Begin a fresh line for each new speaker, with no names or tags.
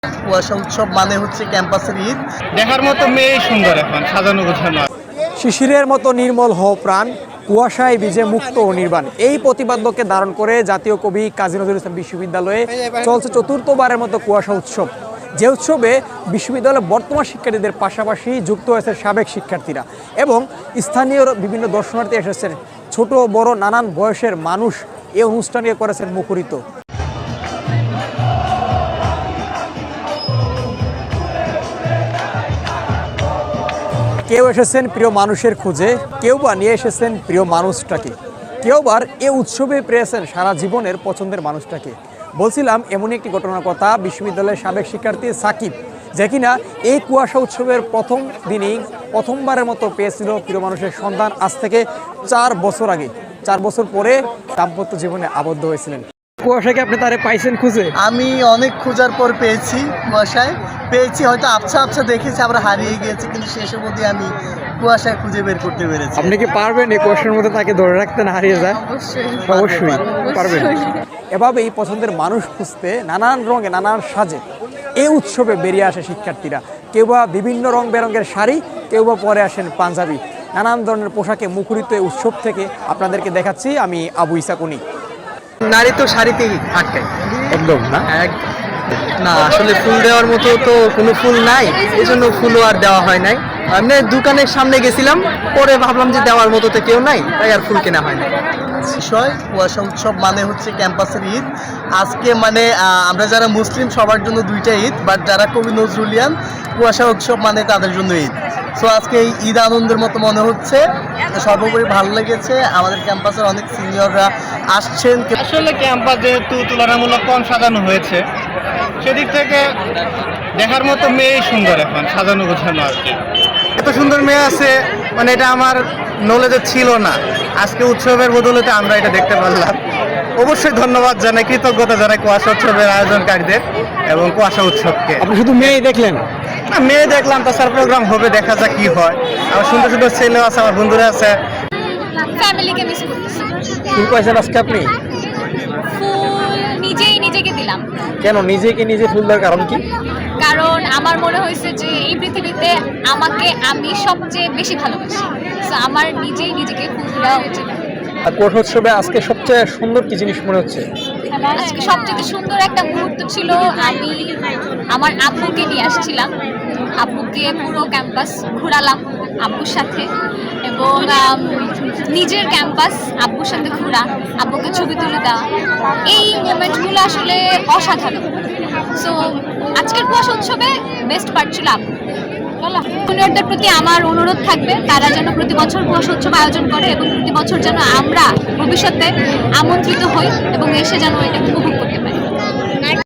কুয়াশা উৎসব মানে হচ্ছে ক্যাম্পাসের ঈদ।
দেখার মতো মেয়ে সুন্দর, এখন সাজানো গোছানো।
শিশিরের মতো নির্মল হও প্রাণ, কুয়াশায় ভিজে মুক্ত ও নির্বাণ, এই প্রতিপাদ্যকে ধারণ করে জাতীয় কবি কাজী নজরুল ইসলাম বিশ্ববিদ্যালয়ে চলছে চতুর্থবারের মতো কুয়াশা উৎসব। যে উৎসবে বিশ্ববিদ্যালয়ের বর্তমান শিক্ষার্থীদের পাশাপাশি যুক্ত হয়েছে সাবেক শিক্ষার্থীরা এবং স্থানীয় বিভিন্ন দর্শনার্থী এসেছেন। ছোট বড় নানান বয়সের মানুষ এই অনুষ্ঠানকে করেছেন মুখরিত। কেউ এসেছেন প্রিয় মানুষের খোঁজে, কেউ বা নিয়ে এসেছেন প্রিয় মানুষটাকে, কেউ বার এ উৎসবে পেয়েছেন সারা জীবনের পছন্দের মানুষটাকে। বলছিলাম এমনই একটি ঘটনার কথা, বিশ্ববিদ্যালয়ের সাবেক শিক্ষার্থী সাকিব, যে কিনা এই কুয়াশা উৎসবের প্রথম দিনেই প্রথমবারের মতো পেয়েছিল প্রিয় মানুষের সন্ধান। আজ থেকে 4 বছর আগে, 4 বছর পরে দাম্পত্য জীবনে আবদ্ধ হয়েছিলেন। কুয়াশাকে আপনি তারে পাইছেন খুঁজে?
আমি অনেক খোঁজার পর পেয়েছি, কুয়াশায় পেয়েছি, হয়তো আবছা আবছা দেখেছি, আমরা হারিয়ে গিয়েছি, কিন্তু শেষের মধ্যে আমি কুয়াশায় খুঁজে বের করতে পেরেছি।
আপনি কি পারবেন এই কুয়াশার মধ্যে তাকে ধরে রাখতে না হারিয়ে যায়? অবশ্যই পারবেন। এভাবে এই পছন্দের মানুষ খুঁজতে নানান রঙে নানান সাজে এই উৎসবে বেরিয়ে আসে শিক্ষার্থীরা। কেউ বা বিভিন্ন রং বেরঙের শাড়ি, কেউ বা পরে আসেন পাঞ্জাবি, নানান ধরনের পোশাকে মুখরিত এই উৎসব থেকে আপনাদেরকে দেখাচ্ছি আমি আবু ইসাকুনি।
নারী তো শাড়িতেই থাকে
একদম না?
না, আসলে ফুল দেওয়ার মতো তো কোনো ফুল নাই, এই জন্য ফুলও আর দেওয়া হয় নাই। আমি দোকানের সামনে গেছিলাম, পরে ভাবলাম যে দেওয়ার মতো তো কেউ নাই, তাই আর ফুল কেনা হয় না। বিষয় কুয়াশা উৎসব মানে হচ্ছে ক্যাম্পাসের ঈদ। আজকে মানে আমরা যারা মুসলিম সবার জন্য 2টা ঈদ, বাট যারা কবি নজরুলিয়ান কুয়াশা উৎসব মানে তাদের জন্য ঈদ। সো আজকে এই ঈদ আনন্দের মতো মনে হচ্ছে। সর্বোপরি ভালো লেগেছে, আমাদের ক্যাম্পাসের অনেক সিনিয়ররা আসছেন।
আসলে ক্যাম্পাস যেহেতু তুলনামূলক কম সাজানো হয়েছে, সেদিক থেকে দেখার মতো মেয়ে সুন্দর, এখন সাজানো গোছানো আর কি। এত সুন্দর মেয়ে আছে, মানে এটা আমার নলেজে ছিল না। আজকে উৎসবের বদলতে আমরা এটা দেখতে পারলাম। অবশ্যই ধন্যবাদ জানাই, কৃতজ্ঞতা জানাই কুয়াশা উৎসবের আয়োজনকারীদের এবং কুয়াশা উৎসবকে।
আপনি শুধু মেয়ে দেখলেন?
না, মেয়ে দেখলাম, তাছাড়া প্রোগ্রাম হবে, দেখা যাক কি হয়। আমার সুন্দর সুন্দর ছেলেও আছে, আমার বন্ধুরা আছে।
ফ্যামিলিকে মিস করতেছি।
ফুল পাইছেন আজকে আপনি?
ফুল নিজেই নিজেকে দিলাম।
কেন নিজেকে নিজে ফুল দেওয়ার কারণ কি?
কারণ আমার মনে হয়েছে যে এই পৃথিবীতে আমাকে আমি সবচেয়ে বেশি ভালোবাসি, তো আমার নিজেই নিজেকে ফুল দেওয়া উচিত।
আর কুয়াশা উৎসবে আজকে সবচেয়ে সুন্দর কি জিনিস মনে হচ্ছে?
আজকে সবচেয়ে সুন্দর একটা মুহূর্ত ছিল, আমি আমার আব্বুকে নিয়ে আসছিলাম। আব্বুকে পুরো ক্যাম্পাস ঘোরালাম আব্বুর সাথে, এবং নিজের ক্যাম্পাস আব্বুর সাথে ঘোরা, আব্বুকে ছবি তুলে দেওয়া, এই মোমেন্টগুলো আসলে অসাধারণ। সো আজকের কুয়াশা উৎসবে বেস্ট পার্ট ছিল আব্বু। জুনিয়রদের প্রতি আমার অনুরোধ থাকবে, তারা যেন প্রতি বছর কুয়াশা উৎসব আয়োজন করে এবং প্রতি বছর যেন আমরা ভবিষ্যতে আমন্ত্রিত হই এবং এসে যেন এটা উপভোগ করি।